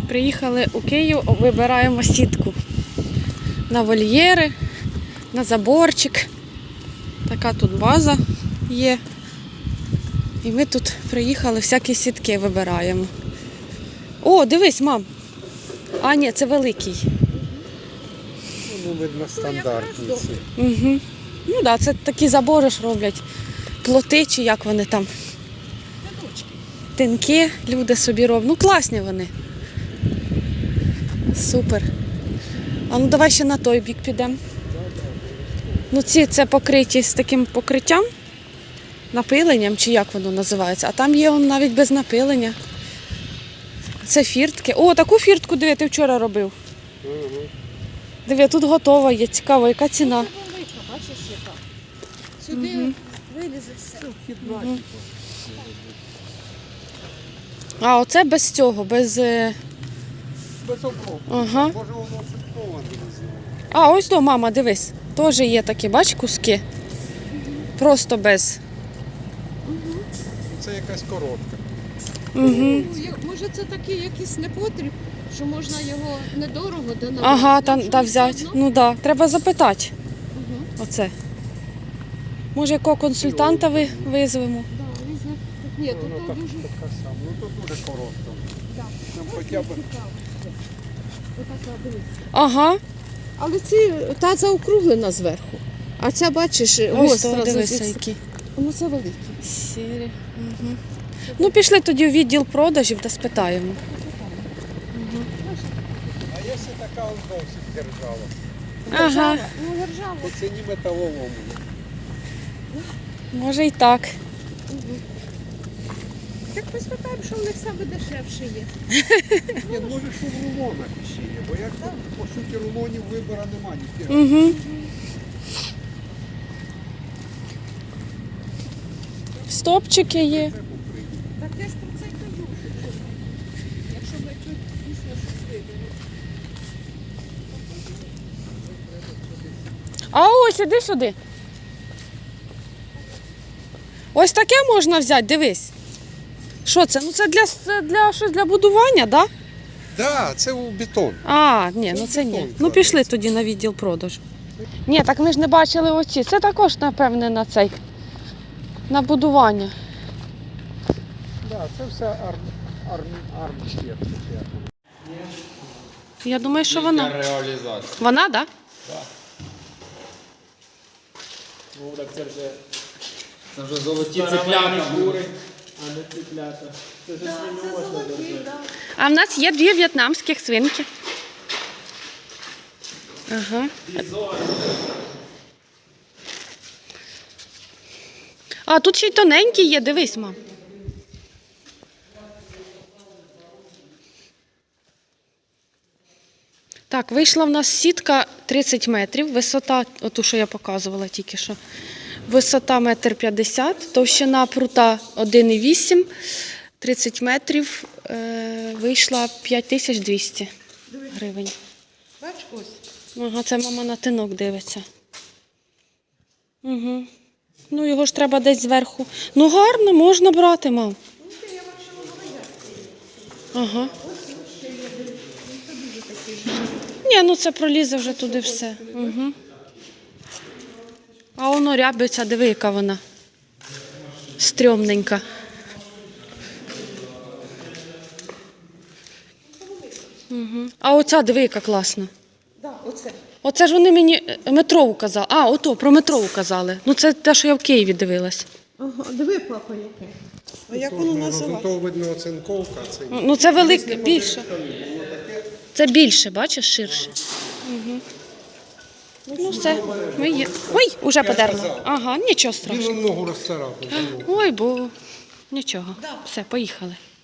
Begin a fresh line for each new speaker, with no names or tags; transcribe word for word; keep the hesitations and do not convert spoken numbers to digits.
Приїхали у Київ, вибираємо сітку на вольєри, на заборчик. Така тут база є. І ми тут приїхали, всякі сітки вибираємо. О, дивись, мам. А, ні, це великий.
Ну, видно, стандартні ці.
Угу. Ну так, да, це такі забори ж роблять. Плоти чи як вони там. Тинки люди собі роблять. Ну, класні вони. Супер. А ну давай ще на той бік підемо. Ну ці це покриті з таким покриттям, напиленням, чи як воно називається. А там є он навіть без напилення. Це фіртки. О, таку фіртку, диви, ти вчора робив.
Угу.
Диви, тут готова є. Цікаво, яка ціна.
Бачиш, яка? Сюди угу. Вилізе все.
Угу. А оце без цього, без...
Без окропу.
Ага.
Може воно шипковане, не знаю.
А, ось до, мама, дивись. Теж є такі, бач, куски. Просто без.
Угу.
Це якась коротка.
Угу.
Може це такий якийсь непотріб, що можна його недорого донавати?
Ага, та, та взяти. Ну так, да. Треба запитати.
Угу.
Оце. Може, якого консультанта ви визвемо?
Да, різне. Ні, тут
Воно
то
так,
дуже...
така сама. Ну тут дуже коротка.
Так.
Нам хоча б...
Отака, дивись.
Ага.
Але ці, та заокруглена зверху. А ця, бачиш,
Ось
гостра.
то, дивися,
зі-
які.
Ну це великі.
Сірі. Угу. Ну, пішли тоді в відділ продажів та спитаємо.
А якщо така ось досить держава,
Ага.
Ну, держава.
по ціні металолому.
Може і так.
Так поспитаємо, що в них саме дешевше є.
Ні, може, що в рулонах ще є, бо як тут, по суті, рулонів вибору немає.
Угу. Стопчики є.
Так я ж про це й кажу, що якщо ми чуть дійсно щось виберемо.
А ось, іди сюди. Ось таке можна взяти, дивись. Що це? Ну це для, це для, щось для будування, так? Да?
Так, да, це у бетон.
А, ні, ну це ні.
бетон
Ну
кладеться.
пішли тоді на відділ продажу. Ні, так ми ж не бачили оці. Це також, напевне, на цей. На будування.
Так, да, це все арм, арм, армштєт.
Я думаю, що вона.
Реалізація.
Вона, так? Да?
Ну, так це вже... Це вже золоті цеплята. Кури,
а не цеплята. Це ж свиню можна держати.
А в нас є дві в'єтнамських свинки. Ага. А тут ще й тоненькі є, дивись, мам. Так, вийшла в нас сітка тридцять метрів, висота, оту, що я показувала тільки що. Висота метр п'ятдесят, товщина прута один і вісім, тридцять метрів, е, вийшла п'ять тисяч двісті гривень.
Бач, ось.
Ага, це мама на тинок дивиться. Угу. Ну, його ж треба десь зверху. Ну, гарно, можна брати, мам. Ага. Ні, ну це пролізе вже туди все. Угу. А воно рябиться, диви, яка вона. Стрьомненька. Угу. А оця, диви, яка класна.
Так, оце.
Оце ж вони мені метрову казали. А, ото, про метрову казали. Ну це те, що я в Києві дивилась.
Ага, диви, папа, яке. А як
Тут,
воно
ну,
називається?
то видно оцинковка. Це...
Ну це велике, більше. Це більше, бачиш, ширше. Угу. Ну все, ми є. Ой, уже подерла. Ага, нічого страшного.
Він ногу розцарапав.
Ой, бо нічого. Все, поїхали.